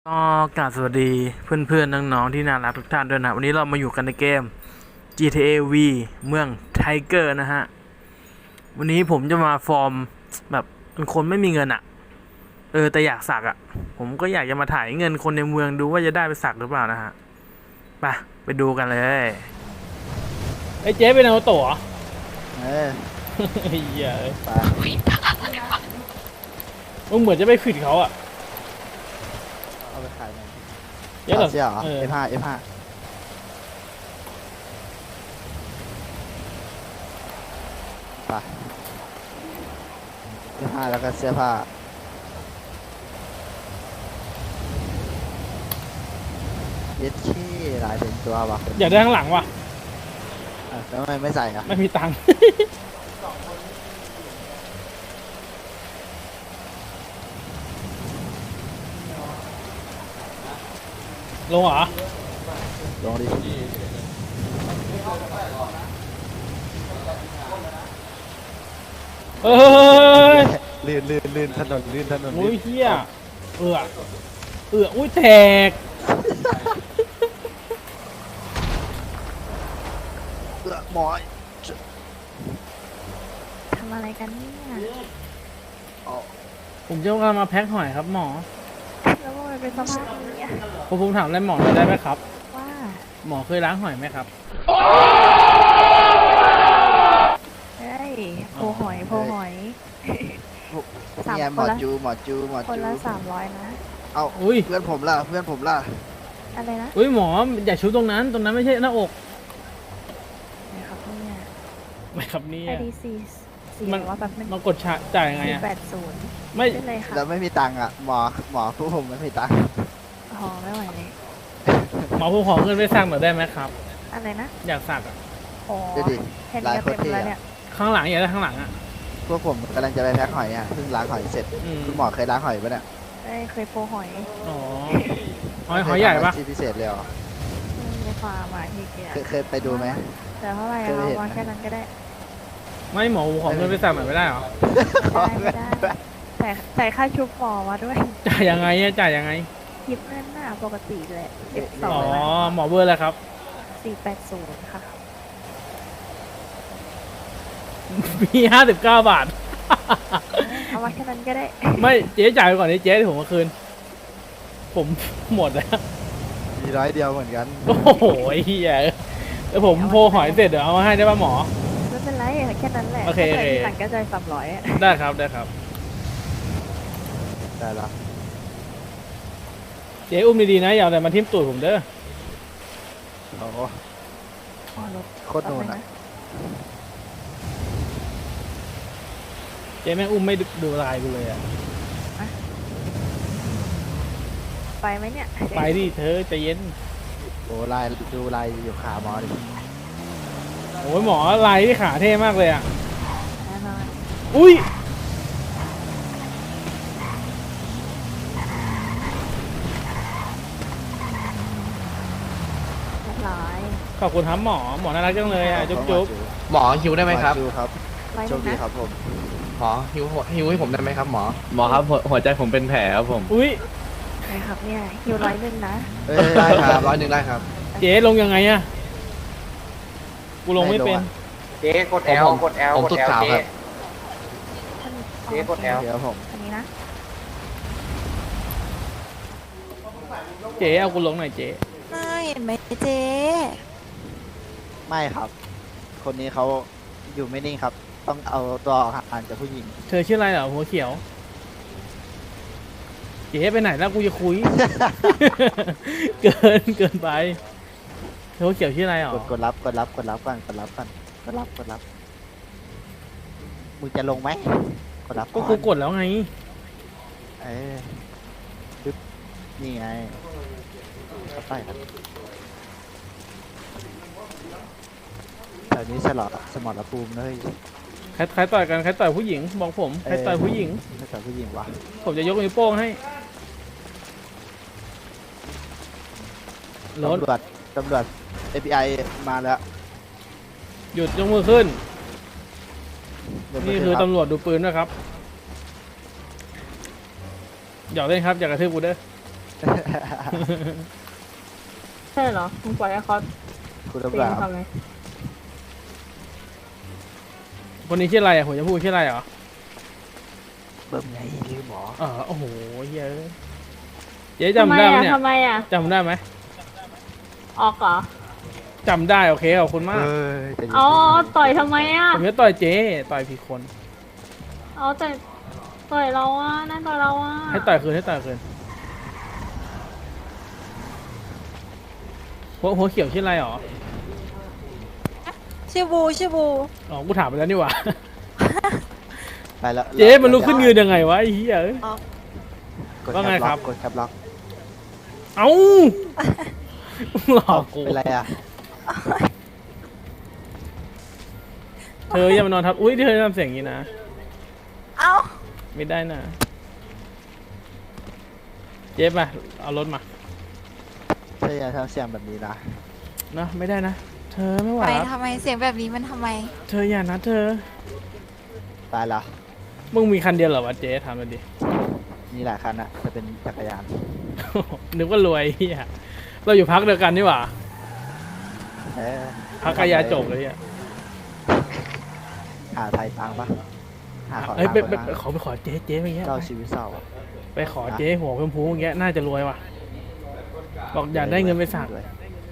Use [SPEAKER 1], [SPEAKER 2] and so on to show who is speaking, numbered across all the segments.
[SPEAKER 1] ก็กราบสวัสดีเพื่อนๆน้องๆที่น่ารักทุกท่านด้วยนะวันนี้เรามาอยู่กันในเกม GTA V เมืองไทเกอร์นะฮะวันนี้ผมจะมาฟอร์มแบบเป็นคนไม่มีเงินอะแต่อยากสักอะผมก็อยากจะมาถ่ายเงินคนในเมืองดูว่าจะได้ไปสักหรือเปล่านะฮะไปดูกันเลย
[SPEAKER 2] ไอ้เจ๊เป็นเอาตั๋ว
[SPEAKER 3] เออ
[SPEAKER 2] ไอ้เหี้ย
[SPEAKER 3] ไป
[SPEAKER 2] มึงเหมือนจะไปขวิดเขาอ่ะ
[SPEAKER 3] เอาไปขายหน่อย
[SPEAKER 2] เจ๊เหรอ
[SPEAKER 3] เสียเหรอ
[SPEAKER 2] เออ
[SPEAKER 3] F5 F5 ไป F5 แล้วก็เสื้อผ้าเย็ดขี้ลายเป็นตัวว่ะ
[SPEAKER 2] อยากได้ข้างหลังว่ะ
[SPEAKER 3] แล้วทำไมไม่ใส่อ่ะ
[SPEAKER 2] ไม่มีตังค์ ลงเหรอ
[SPEAKER 3] ลองดิ
[SPEAKER 2] เฮ้ย
[SPEAKER 3] ลื่นถนนลื่นถนน
[SPEAKER 2] โอ้ยเหี้ยอุ้ยแตก
[SPEAKER 3] หมอย
[SPEAKER 4] ทำอะไรกันเนี่ย
[SPEAKER 2] ผมจะมาแพ็คหอยครับหมอ
[SPEAKER 4] แล้วมันเป็นสภาพนี้อะ
[SPEAKER 2] ผมถามอะไรหมอหน่อยได้ไหมครับ
[SPEAKER 4] ว่า
[SPEAKER 2] หมอเคยล้างหอยไหมครับ
[SPEAKER 4] เฮ้ยโพหอยสาม
[SPEAKER 3] เนี่ยห
[SPEAKER 4] ค
[SPEAKER 3] มอน
[SPEAKER 4] ละ
[SPEAKER 3] จูหมอจู
[SPEAKER 4] คนละ300นะ
[SPEAKER 3] เอา
[SPEAKER 2] อุ้ย
[SPEAKER 3] เพื่อนผมล่ะเพื่อนผมล่ะ
[SPEAKER 4] อะไรนะ
[SPEAKER 2] อุ้ยหมออย่าชูตรงนั้นไม่ใช่หน้าอก
[SPEAKER 4] นะครับเนี่ย
[SPEAKER 2] ไม่ครับเนี่ย
[SPEAKER 4] IDC
[SPEAKER 2] มัน
[SPEAKER 4] 400แบบนึง
[SPEAKER 2] มากดจ่ายยังไงอะ
[SPEAKER 4] 480
[SPEAKER 2] ไม่
[SPEAKER 4] ได้เลยค่ะ
[SPEAKER 3] แล้วไม่มีตังค์อ่ะหมอผู้ผมไม่มีตังค์
[SPEAKER 4] หอไม่ไหวเลย
[SPEAKER 2] หมอผมขอเงินไปสั่งหน่อยได้ไหมครับ
[SPEAKER 4] อะไรนะ
[SPEAKER 2] อยากสักอะ
[SPEAKER 4] โอ้
[SPEAKER 3] ดูดิ
[SPEAKER 4] แค่
[SPEAKER 3] ลา
[SPEAKER 4] นี้
[SPEAKER 3] ย
[SPEAKER 4] ก็
[SPEAKER 3] โคตร
[SPEAKER 4] เต็ม
[SPEAKER 3] เท่
[SPEAKER 4] แล้วเนี่ย
[SPEAKER 3] อะ
[SPEAKER 2] ข้างหลังอยากได้ข้างหลังอะ
[SPEAKER 3] พวกผมกำลังจะไปแพ็คหอยอ่ะเพิ่งล้างหอยเสร็จ
[SPEAKER 2] อืม
[SPEAKER 3] คุณหมอเคยล้างหอยปะเนี่ย
[SPEAKER 4] เคยโพหอย
[SPEAKER 2] อ๋อหอยใหญ่ปะ
[SPEAKER 3] ที่พิเศษเลยเหรอ
[SPEAKER 4] ในฟาร์มอะที่เกีย
[SPEAKER 3] เคยไปดูไหม
[SPEAKER 4] แต่เท่าไหร่
[SPEAKER 3] เคย
[SPEAKER 4] เอา
[SPEAKER 3] เห็น
[SPEAKER 4] มา
[SPEAKER 3] ไหม
[SPEAKER 4] แค่นั้นก็ได้
[SPEAKER 2] ไม่หมอขอเงินไปสั่งหน่อยไม่ได้เหรอ
[SPEAKER 4] ไม่ได้แต่จ่ายค่าชุบหมอมาด้วย
[SPEAKER 2] จ่ายยังไงอะจ่ายยังไง
[SPEAKER 4] คิดเงินหน้าปกติแหละ12
[SPEAKER 2] อ๋อ
[SPEAKER 4] เลยนะ
[SPEAKER 2] หมอเบอร์อะไรครับ
[SPEAKER 4] 480 ค่ะ
[SPEAKER 2] มี59 บาท
[SPEAKER 4] เอามาแค่นั้นก็ได้
[SPEAKER 2] ไม่เจ๊จ่ายไปก่อนดิเจ๊ที่ผมมาคืน ผมหมดแล้ว
[SPEAKER 3] มีร้อยเดียวเหมือนกัน
[SPEAKER 2] โอ้โหไอ้เฮียแล้วผมโพหอยเสร็จเดี๋ยวเอามาให้ได้ป่ะหมอ
[SPEAKER 4] ไม่เป็นไรแค่นั้นแหละ
[SPEAKER 2] โอเค
[SPEAKER 4] ถ้า
[SPEAKER 2] โอเค
[SPEAKER 4] จ่ายทีหลังก็จ่าย300อะ
[SPEAKER 2] ได้ครับได้ครับ
[SPEAKER 3] ได้แล้ว
[SPEAKER 2] เจ๊อุ้มดีๆนะอย่าเอาแต่มาทิ่มตูดผมเด้อ
[SPEAKER 3] โอ้โห
[SPEAKER 4] อ๋อรถ
[SPEAKER 3] โคตรโดน
[SPEAKER 4] แป๊บ
[SPEAKER 3] อ่ะ
[SPEAKER 4] งะ
[SPEAKER 2] เจ๊แม่งอุ้มไม่ดูลายกูเลยอะ
[SPEAKER 4] ไปไหมเนี่ย
[SPEAKER 2] ไปดิเธอใจเย็น
[SPEAKER 3] โอ้ลายดูลายอยู่ขาหมอดิ
[SPEAKER 2] โอ้ยหมอลายที่ขาเท่มากเลยอะ
[SPEAKER 4] แน่นอน
[SPEAKER 2] อุ้ย
[SPEAKER 4] เรียบร้อย
[SPEAKER 2] ขอบคุณครับหมอน่ารักจังเลยอะจุ๊บจุ๊บ
[SPEAKER 5] หมอฮิวได้ไหมครับ
[SPEAKER 3] หมอจูครับ
[SPEAKER 4] ไว้
[SPEAKER 3] โช
[SPEAKER 4] นึ
[SPEAKER 3] ค
[SPEAKER 4] ง
[SPEAKER 3] ดี
[SPEAKER 4] นะครับ
[SPEAKER 3] ผม
[SPEAKER 5] หมอฮิวให้ผมได้ไหมครับหมอ
[SPEAKER 6] หมอครับหัวใจผมเป็นแผลครับผม
[SPEAKER 2] อุ้ย
[SPEAKER 4] นะครับเนี่ยคิว101นะ
[SPEAKER 3] เอ้ย
[SPEAKER 5] ได้ครับ100ได้ครับ
[SPEAKER 2] เจ๊ลงยังไงอะกูลงไม่เป็น
[SPEAKER 7] เจ๊กด L กด L
[SPEAKER 5] ผม
[SPEAKER 7] กด
[SPEAKER 5] สุด
[SPEAKER 7] L
[SPEAKER 5] ขาว
[SPEAKER 7] เจ๊
[SPEAKER 5] ครับ
[SPEAKER 4] ท่าน
[SPEAKER 7] เจ๊กด L
[SPEAKER 3] เดี๋ยวผม
[SPEAKER 4] อันนี้นะ
[SPEAKER 2] เจ๊เอากูลงหน่อยเจ๊
[SPEAKER 4] ไม่เห็นไหมเจ๊
[SPEAKER 3] ไม่ครับ คนนี้เขาอยู่ไม่นิ่งครับ ต้องเอาตัวออกห่างจากผู้หญิง
[SPEAKER 2] เธอชื่ออะไรเหรอหัวเขียวเจ๊ไปไหนแล้วกูจะคุย เกินไปเธอหัวเขียวชื่ออะไรเหรอก
[SPEAKER 3] ดรับก่อนกดรับก่อนกดรับมึงจะลงไหมกดรับ
[SPEAKER 2] ก็กูกดแล้วไง
[SPEAKER 3] เอ้ยปึ๊บนี่ไงเข้าไปครับแถวนี้สมรภูมิเลย
[SPEAKER 2] ใครต่อยกันใครต่อยผู้หญิงบอกผมใครต่อยผู้หญิง
[SPEAKER 3] ไม่ใช่ผู้หญิงวะ
[SPEAKER 2] ผมจะยกนิ้วโป้งให้รถ
[SPEAKER 3] ตำรวจ FBI มาแล้ว
[SPEAKER 2] หยุดยกมือขึ้น
[SPEAKER 3] เดี๋ยว
[SPEAKER 2] นี่
[SPEAKER 3] มา
[SPEAKER 2] คือ
[SPEAKER 3] รับ
[SPEAKER 2] ตำรวจดูปืนนะครับหยอกเล่นครับอย่ากระทืบกูเด้อ
[SPEAKER 4] ใช่เหรอมึงปล่อยให้เขา
[SPEAKER 3] คุณ
[SPEAKER 4] ตี
[SPEAKER 3] ตำรวจ
[SPEAKER 4] ทำไม
[SPEAKER 2] คนนี้ชื่ออะไรอ่ะผมจะพูดชื่ออะไรเหรอ
[SPEAKER 3] เบิ่มไงลืมหมอ
[SPEAKER 2] โอ้โหเหี้ยอะเจ๊จำได้ไหมเนี่ย
[SPEAKER 4] ทำไมอ่ะ
[SPEAKER 2] จำได้ไหม
[SPEAKER 4] ออกเหรอ
[SPEAKER 2] จำได้โอเคขอบคุณมาก
[SPEAKER 3] จะยิง
[SPEAKER 4] อ๋อต่อยทำไมอ่ะ
[SPEAKER 2] ผมจะต่อยเจ๊ต่อยผิดคน
[SPEAKER 4] เอาแต่ต่อยเราอ่ะนั่นต่อยเราอ่ะ
[SPEAKER 2] ให้ต่อยคืนให้ต่อยคืนหัวเขียวชื่ออะไรหรอ
[SPEAKER 8] ชื่อบูชื่อบู
[SPEAKER 2] อ๋อกูถามไปแล้วนี่หว่า
[SPEAKER 3] ไปแล้ว
[SPEAKER 2] เจ๊มันลุกขึ้นยืนยังไงวะไอ้เหี้ยเอ้ย
[SPEAKER 3] กด
[SPEAKER 2] ว่าไงครับ
[SPEAKER 3] กดแคปล็อก
[SPEAKER 2] เอ้าหลอกกู
[SPEAKER 3] เป็นไรอ่ะ
[SPEAKER 2] เธออย่ามานอนทับอุ้ยเธอทำเสียงอย่างนี้นะ
[SPEAKER 8] เอ้า
[SPEAKER 2] ไม่ได้นะเจ๊มาเอารถมา
[SPEAKER 3] เธออย่าทำเสียงแบบนี้นะ
[SPEAKER 2] นะไม่ได้นะเธอไม่ไหว
[SPEAKER 8] ไป
[SPEAKER 2] แล้ว
[SPEAKER 8] ทำไมเสียงแบบนี้มันทำไม
[SPEAKER 2] เธออย่านะเธอ
[SPEAKER 3] ตายแล้ว
[SPEAKER 2] มึงมีคันเดียวเหรอวะเจ๊ถามมาดิ
[SPEAKER 3] มีหลายคันอะจะเป็นจักรยาน
[SPEAKER 2] นึกว่ารวยเฮียเราอยู่พักเดียวกันนี่หว่า
[SPEAKER 3] เออ
[SPEAKER 2] พักกายาจบเลยเฮีย
[SPEAKER 3] หาไทยตังค์ปะหาขอ
[SPEAKER 2] เอ้ย
[SPEAKER 3] ตัง
[SPEAKER 2] ไป
[SPEAKER 3] ค์
[SPEAKER 2] ไป
[SPEAKER 3] คน
[SPEAKER 2] ไป
[SPEAKER 3] ละ
[SPEAKER 2] ขอไปขอเจ๊เจ๊เมื่อกี้
[SPEAKER 3] เจ้าชีวิตเศร้าอะ
[SPEAKER 2] ไปขอเจ๊หัวชมพูอย่างเงี้ยน่าจะรวยว่ะบอกอยากได้เงินไปสัก
[SPEAKER 3] ด้วย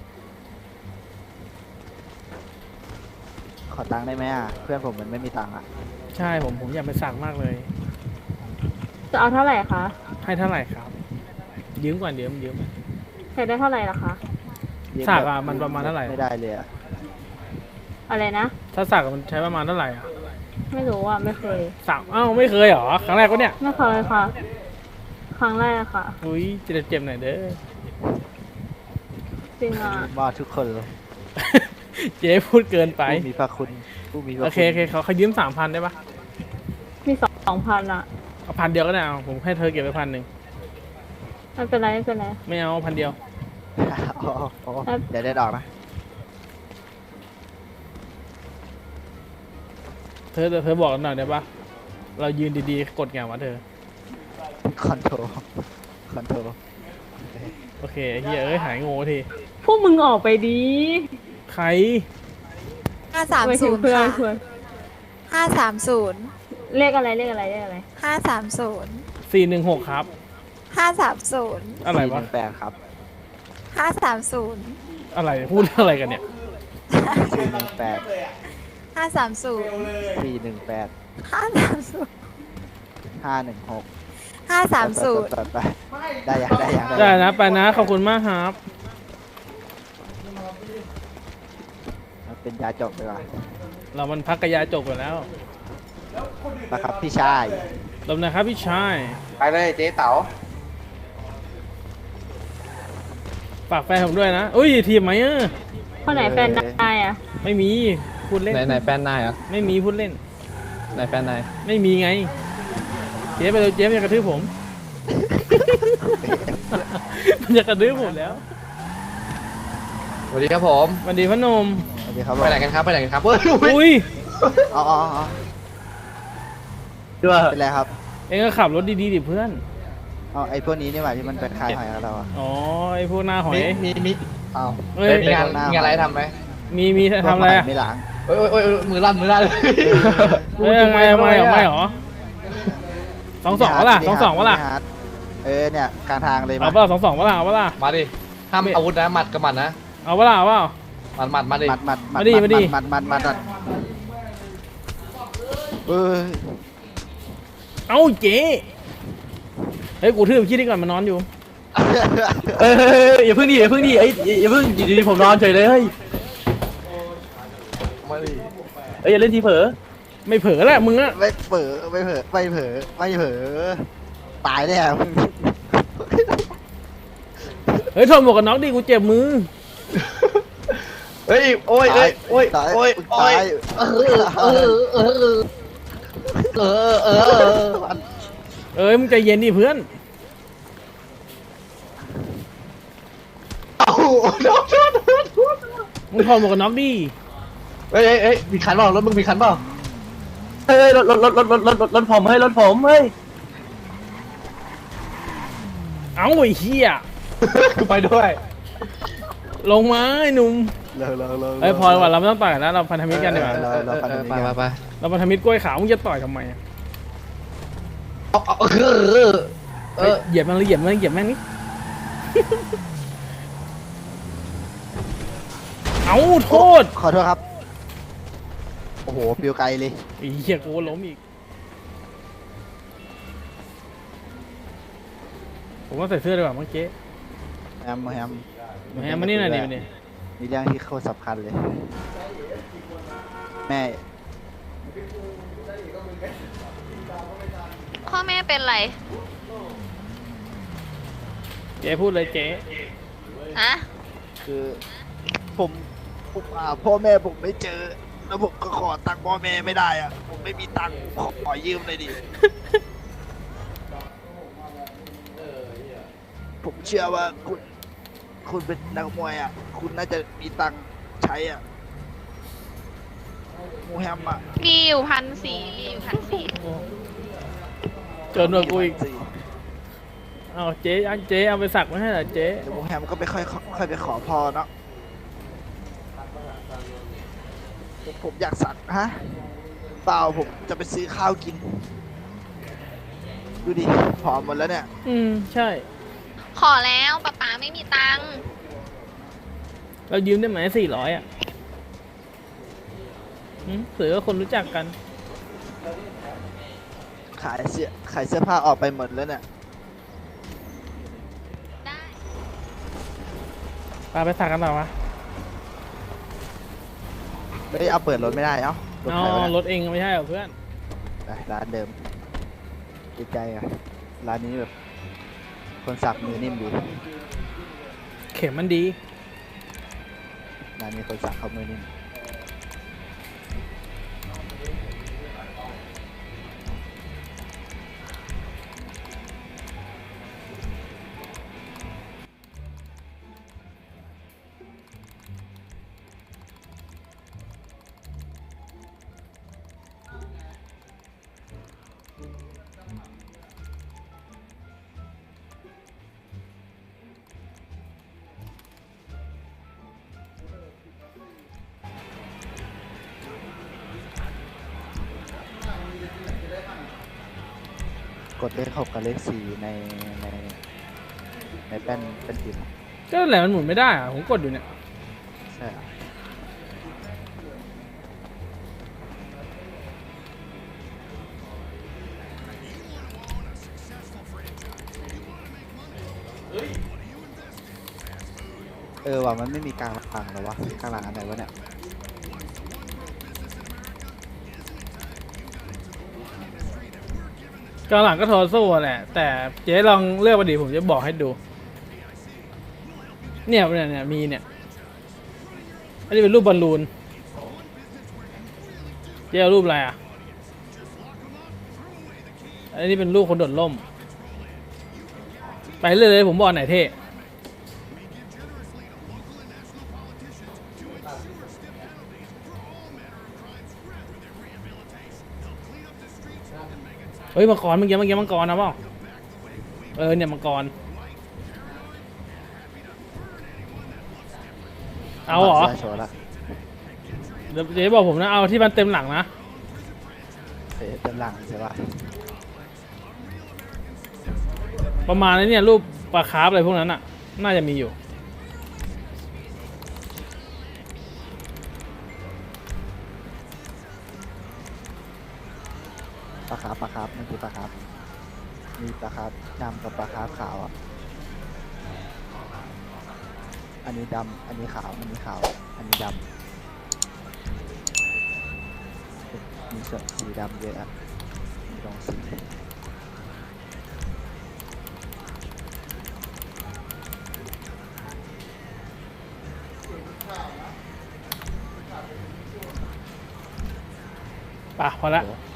[SPEAKER 3] ขอตังค์ได้ไหมอ่ะ เพื่อนผมมันไม่มีตังค์อ่ะ
[SPEAKER 2] ใช่ผมอยากไปสักมากเลย
[SPEAKER 4] จะเอาเท่าไหร่คะ
[SPEAKER 2] ให้เท่าไหร่ครับ ยืมก่อนยืม
[SPEAKER 4] ใช้ได้เท่าไหร่ล่ะคะ
[SPEAKER 2] สักอะมันประมาณเท่าไหร่
[SPEAKER 3] ไม่ได้เลยอ่ะ
[SPEAKER 4] อะไรนะ
[SPEAKER 2] ถ้าสักอะมันใช้ประมาณเท่าไหร่อ่ะ
[SPEAKER 4] ไม่รู้อ่ะไม่เคย
[SPEAKER 2] สักไม่เคยเหรอครั้งแรกวะเนี่ย
[SPEAKER 4] ไม่เคยค่ะ ครั้งแรกค่ะ
[SPEAKER 2] อุ้ยเจ็บหน่อยเด้อ
[SPEAKER 4] จริงอ่ะ
[SPEAKER 3] มอดทุกคนเลย
[SPEAKER 2] เจ๊พูดเกินไป
[SPEAKER 3] ผู้มีพระคุณผู้มีพระ
[SPEAKER 2] โอ
[SPEAKER 3] คุณ
[SPEAKER 2] เคเขายืม3,000ได้ปะ
[SPEAKER 4] มี2,000อ่ะ
[SPEAKER 2] เอา1,000เดียวก็ได้เอาผมให้เธอเก็บไป1,000
[SPEAKER 4] ไม่เป็นไรไม่เป็นไร
[SPEAKER 2] ไม่เอา1,000เดียว
[SPEAKER 3] อ๋ออ๋อเดี๋ยวได้ดอกนะ
[SPEAKER 2] เธอบอกหน่อยได้ปะเรายืนดีๆกดไงวะเธอ
[SPEAKER 3] คอนโทรคอนโทร
[SPEAKER 2] โอเคเฮียเอ้ยหายโง่ที
[SPEAKER 4] พวกมึงออกไปดี
[SPEAKER 2] ใคร
[SPEAKER 4] ไปถึง
[SPEAKER 8] 530
[SPEAKER 4] เพื่อน
[SPEAKER 8] ค่ะ
[SPEAKER 4] เพื่อน
[SPEAKER 8] 530
[SPEAKER 4] เลขอะไรเลขอะไรเลขอะไร
[SPEAKER 8] 530
[SPEAKER 2] 416 ครับ
[SPEAKER 8] 530
[SPEAKER 2] อะไรวะ
[SPEAKER 3] 418ครับ
[SPEAKER 8] 530
[SPEAKER 2] อะไรพูดอะไรกันเนี่ย
[SPEAKER 3] 418
[SPEAKER 8] 530
[SPEAKER 3] 418
[SPEAKER 8] 530
[SPEAKER 3] 516
[SPEAKER 8] 530
[SPEAKER 3] ไปได้ยังได้ยัง
[SPEAKER 2] ได้นะไปนะขอบคุณมากครับ
[SPEAKER 3] เป็นยาจบดีกว่า
[SPEAKER 2] เรามันพักกบยาจบกันแล้ว
[SPEAKER 3] นะครับพี่ชาย
[SPEAKER 2] ลมนะครับพี่ชาย
[SPEAKER 7] ไปเลยเจ๊เต๋า
[SPEAKER 2] ฝากแฟนผมด้วยนะอุ้ยทีมไหมเออ
[SPEAKER 4] คนไหนแฟนนายอ่ะ
[SPEAKER 2] ไม่มีพูดเล่น
[SPEAKER 6] ไหนแฟนนายเหรอ่ะ
[SPEAKER 2] ไม่มีพูดเล่น
[SPEAKER 6] ไหนแฟนนาย
[SPEAKER 2] ไม่มีไง เจ๊ไปเลยเจ๊มันจะกระทืบผม มันจะกระทืบผมแล้ว
[SPEAKER 5] สวัสดีครับผม
[SPEAKER 2] สวัสดีพนม
[SPEAKER 3] สวัสดีครับ
[SPEAKER 5] ไปไหนกันครับไปไหนกันครับเฮ้ย
[SPEAKER 2] อุ้ย
[SPEAKER 3] อ๋ออ๋ออ๋อ
[SPEAKER 6] ด้วย
[SPEAKER 3] เป็นไรครับ
[SPEAKER 2] เองก็ขับรถดีๆดิเพื่อน
[SPEAKER 3] อ๋อไอพวกนี้นี่หว่าที่มันเป็นคายหอยกับเราอ่ะ
[SPEAKER 2] อ๋อไอพวกหน้าหอย
[SPEAKER 5] มีอ้าว
[SPEAKER 2] เฮ้ย
[SPEAKER 5] มีงานอะไรทำไหม
[SPEAKER 2] มีทำอะไรอะ
[SPEAKER 3] ไม่ล้าง
[SPEAKER 5] โอ้ยมือลั่นเลย
[SPEAKER 2] เฮ้ยไม่หรอ22วะล่ะ22วะล่ะ
[SPEAKER 3] เออเนี่ยกลางทางเลย
[SPEAKER 2] เอาเปล่า22วะล่ะเอาเปล่า
[SPEAKER 5] มาดิห้ามอาวุธนะหมัดกับหมัดนะ
[SPEAKER 2] เอาเปล่าเอาเปล่า
[SPEAKER 5] หมัดมาดิ
[SPEAKER 3] มัด
[SPEAKER 2] มาดิมาดิ
[SPEAKER 3] มัดเออ
[SPEAKER 2] เอ้าเจ๊เฮ้ยกูทืบคิดดีก่อนมันนอนอยู่
[SPEAKER 6] เอ้ยอย่าเพิ่งดิอย่าเพิ่งดิอย่าเพิ่งอยู่ดีๆผมนอนเฉยเลยเฮ้ย
[SPEAKER 5] มาดิ
[SPEAKER 6] อย่าเล่นทีเผลอ
[SPEAKER 2] ไม่เผลอแหละมึงอะ
[SPEAKER 3] ไม่เผลอไม่เผลอไม่เผลอไม่เผลอตายแน่มึง
[SPEAKER 2] เฮ้ยถอดหมวกกันน็อกดิกูเจ็บมือ
[SPEAKER 5] เฮ้ยโอ้ยโอ้ย
[SPEAKER 3] ตาย
[SPEAKER 5] โอ้ย
[SPEAKER 3] ตาย
[SPEAKER 2] เอ้ยมึงใจเย็นดิเพื่อน
[SPEAKER 5] เอาโดน
[SPEAKER 2] มึงถอดหมวกกันน็อกดิ
[SPEAKER 5] เฮ้ยมีคันเปล่ารถมึงมีคันเปล่า
[SPEAKER 6] เฮ้ยรถผมเฮ้ยรถผมเฮ้ย
[SPEAKER 2] เอ้าไอ้เหี้ย
[SPEAKER 5] กูไปด้วย
[SPEAKER 2] ลงมาไอ้หนุ่ม
[SPEAKER 3] เร็ว
[SPEAKER 2] เอ้ยพอดีกว่าเราไม่ต้องต่อยกันแล้วเราพันธมิตรกันดีกว่า
[SPEAKER 3] เราพันธมิตรกัน
[SPEAKER 6] ไป
[SPEAKER 2] เราพันธมิตรกล้วยขาวมึงจะต่อยทำไมอะ
[SPEAKER 5] เอา
[SPEAKER 2] เฮ้ยเหยียบมันเลยเหยียบมันเหยียบแม่งนี่ เอาโทษ
[SPEAKER 3] ขอโทษครับ โอ้โหปิวไกลเลย
[SPEAKER 2] ไอ้เหี้ยกูล้มอีกผมว่าใส่เสื้อดีกว่าเมื่อกี้
[SPEAKER 3] แฮม
[SPEAKER 2] แหมมานี่หน่อยดิมานี่
[SPEAKER 3] มีเรื่องที่โคตรสำคัญเลย แม่
[SPEAKER 9] พ่อแม่เป็นไร
[SPEAKER 2] เจ๊พูดเลยเจ๊
[SPEAKER 9] ฮะ
[SPEAKER 3] คือผมหาพ่อแม่ผมไม่เจอ แล้วผมก็ขอตังค์พ่อแม่ไม่ได้อะผมไม่มีตังค์ขอยืมเลยดิ ผมเชื่อว่าคุณเป็นนักมวยอ่ะ คุณน่าจะมีตังค์ใช้อ่ะหมูแฮมอ่ะ
[SPEAKER 9] มีอยู่1,400มีอยู่1,400
[SPEAKER 2] จนกว่ากูอีกเอาเจ๊อันเจ๊เอาไปสักไว้ให้เหรอเจ๊
[SPEAKER 3] เดี๋ยวหมูแฮมก็ไปค่อยไปขอพรเนาะผมอยากสักฮะเปล่าผมจะไปซื้อข้าวกิน ดูดิผอมหมดแล้วเนี่ย
[SPEAKER 2] ใช่
[SPEAKER 9] ขอแล้วป๊าไม่มีตังค์
[SPEAKER 2] เรายืมได้ไหม400อ่ะเผื่อว่าคนรู้จักกัน
[SPEAKER 3] ขายเสื้อผ้าออกไปหมดแล้วเนี่ย
[SPEAKER 9] ได้
[SPEAKER 2] ไปสักกันต่อวะ
[SPEAKER 3] ไม่ได้เอาเปิดรถไม่ได้เอ้ารถ
[SPEAKER 2] เอา
[SPEAKER 3] ใครวะ
[SPEAKER 2] ร
[SPEAKER 3] เนี่ย
[SPEAKER 2] ถเองไม่ใช่เหรอเพื่อน
[SPEAKER 3] ไปร้านเดิมดีใจอ่ะร้านนี้แบบ คนสักมือนิ่มดี
[SPEAKER 2] เข็มมันดี
[SPEAKER 3] ร้านนี้คนสักเขามือนิ่ม กดเลข 6 กับเลข 4 ในแป้นพิมพ์
[SPEAKER 2] ก็แหละมันหมุนไม่ได้อะผมกดอยู่เนี่ย
[SPEAKER 3] ใช่อะว่ะมันไม่มีกลางหลังเหรอวะกลางหลังอันไหนวะเนี่ย
[SPEAKER 2] กลางหลังก็โทรสู้แหละ แต่เจ๊ลองเลือกมาดิผมจะบอกให้ดู เนี่ยมีเนี่ย อันนี้เป็นรูปบอลลูน เจ๊เอารูปอะไรอ่ะ อันนี้เป็นรูปคนโดดร่ม ไปเรื่อยเลยผมบอกไหนเท่ เฮ้ยมังกรเมื่อกี้มังกรนะเปล่าเนี่ยมังกรเอาเหรอ
[SPEAKER 3] โชว์ละ
[SPEAKER 2] เดี๋ยวเจ๊บอกผมนะเอาที่มันเต็มหลังนะ
[SPEAKER 3] เต็มหลังใช่ปะ
[SPEAKER 2] ประมาณนี้เนี่ยรูปปลาคาร์ฟอะไรพวกนั้นอ่ะน่าจะมีอยู่
[SPEAKER 3] ปลาคาร์ฟมันคือปลาคาร์ฟมีปลาคาร์ฟดำกับปลาคาร์ฟขาวอ่ะ อันนี้ดำอันนี้ขาวอันนี้ขาวอันนี้ดำมีส่วนสีดำเยอะอ่ะมีลองสี
[SPEAKER 2] ป่ะพอละ
[SPEAKER 3] โอ้